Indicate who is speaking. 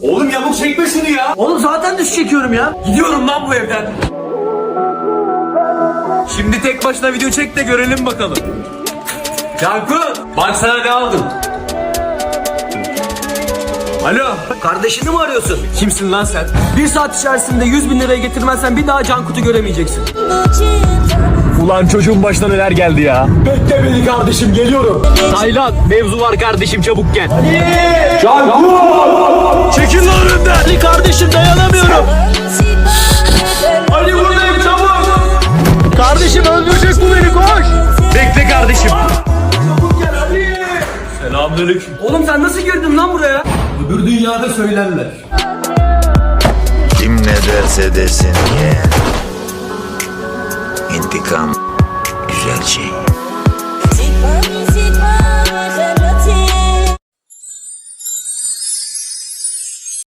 Speaker 1: Oğlum yamuk çekme şunu ya.
Speaker 2: Oğlum zaten düş çekiyorum ya.
Speaker 1: Gidiyorum lan bu evden. Şimdi tek başına video çek de görelim bakalım. Cankut, bak sana ne aldım. Alo.
Speaker 2: Kardeşini mi arıyorsun?
Speaker 1: Kimsin lan sen?
Speaker 2: 1 saat içerisinde 100.000 liraya getirmezsen bir daha Cankut'u göremeyeceksin.
Speaker 1: Ulan çocuğun başına neler geldi ya. Bekle beni kardeşim, geliyorum.
Speaker 2: Taylan, mevzu var kardeşim, çabuk gel.
Speaker 1: Cankut! Çekil lan önümden.
Speaker 2: Ali kardeşim, dayanamıyorum.
Speaker 1: Ali buradayım, çabuk.
Speaker 2: Kardeşim öldürecek bu beni, koş.
Speaker 1: Bekle kardeşim. Çabuk gel Ali. Selamünaleyküm.
Speaker 2: Oğlum sen nasıl girdin lan buraya?
Speaker 1: Öbür dünyada söylerler.
Speaker 3: Kim ne derse desin ye. İntikam güzel şey.